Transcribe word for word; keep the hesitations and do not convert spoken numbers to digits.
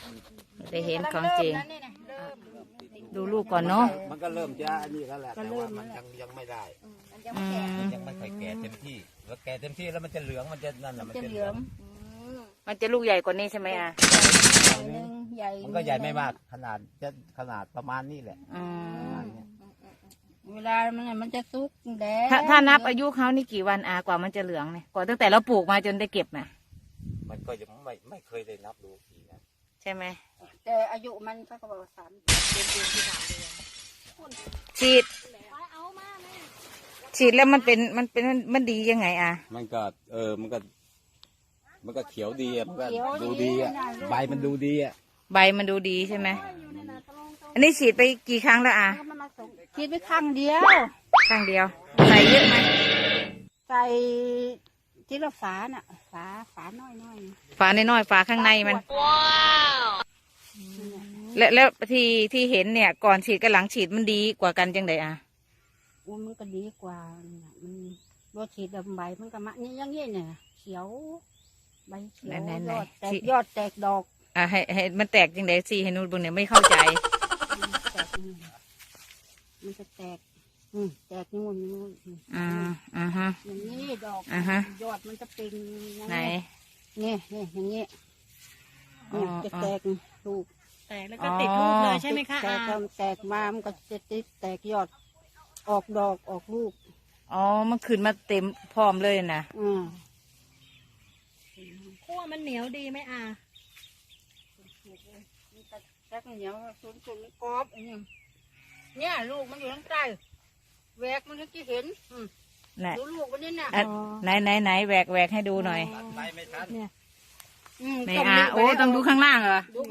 ได้เห็นของจริงดูลูกก่อนเนาะมันก็เริ่มจะอันนี้แล้วแหละแต่ว่ามันยังยังไม่ได้มันยังไม่ค่อยแก่เต็มที่แล้วแก่เต็มที่แล้วมันจะเหลืองมันจะนั่นแหละมันจะเหลืองมันจะลูกใหญ่กว่านี้ใช่ไหมอ่ะมันก็ใหญ่ไม่มากขนาดจะขนาดประมาณนี้แหละเวลามันมันจะซุกแดงถ้าถ้านับอายุเขานี่กี่วันอากว่ามันจะเหลืองเนี่ยกว่าตั้งแต่เราปลูกมาจนได้เก็บน่ะมันก็ยังไม่ไม่เคยได้นับดูทีนะใช่ไหมแต่อายุมันก็บอกสามเดือนเดือนที่สามเดือนฉีดฉีดแล้วมันเป็นมันเป็นมันดียังไงอ่ะมันก็เออมันก็มันก็เขียวดีอ่ะมันก็ดูดีอ่ะใบมันดูดีอ่ะใบมันดูดีใช่ไหมอันนี้ฉีดไปกี่ครั้งแล้วอ่ะฉีดไปครั้งเดียวครั้งเดียวใส่เยอะไหมใส่ที่ละฝาน่ะฝาฝาน้อยน้อยฝาน้อยๆฝาข้างในมันว้าวแล้วแล้วที่ที่เห็นเนี่ยก่อนฉีดกับหลังฉีดมันดีกว่ากันจังไดอ่ะอุ้มันก็ดีกว่ามันรสฉีดดำใบมันก็มะนี่ยังงี้เนี่ยเขียวใบเขียวยอดแตกยอดแตกดอกอ่ะให้ให้มันแตกจังไดสิให้นูบุญเนี่ยไม่เข้าใจมันจะแตกอืมแตกนู่นนู่นอ่าอ่าฮะอย่างนี้ดอกอ่าฮะยอดมันจะเป็นไหนนี่นี่อย่างนี้นี่จะแตกลูกแตกแล้วก็ติดลูกเลยใช่ไหมคะแตกแตกมามันก็จะติดแตกยอดออกดอกออกลูกอ๋อมันขึ้นมาเต็มพร้อมเลยนะอืมขั้วมันเหนียวดีไหมอาแตกเหนียวสุนสุนกรอบอันนี้เนี่ยลูกมันอยู่ข้างใต้แหวกมันจะเห็นดูลูกมันนี่น่ะไหนไหนไหนแหวกแหวกให้ดูหน่อยไม่ทันไหนอ่ะโอ้ต้องดูข้างล่างเหรอดู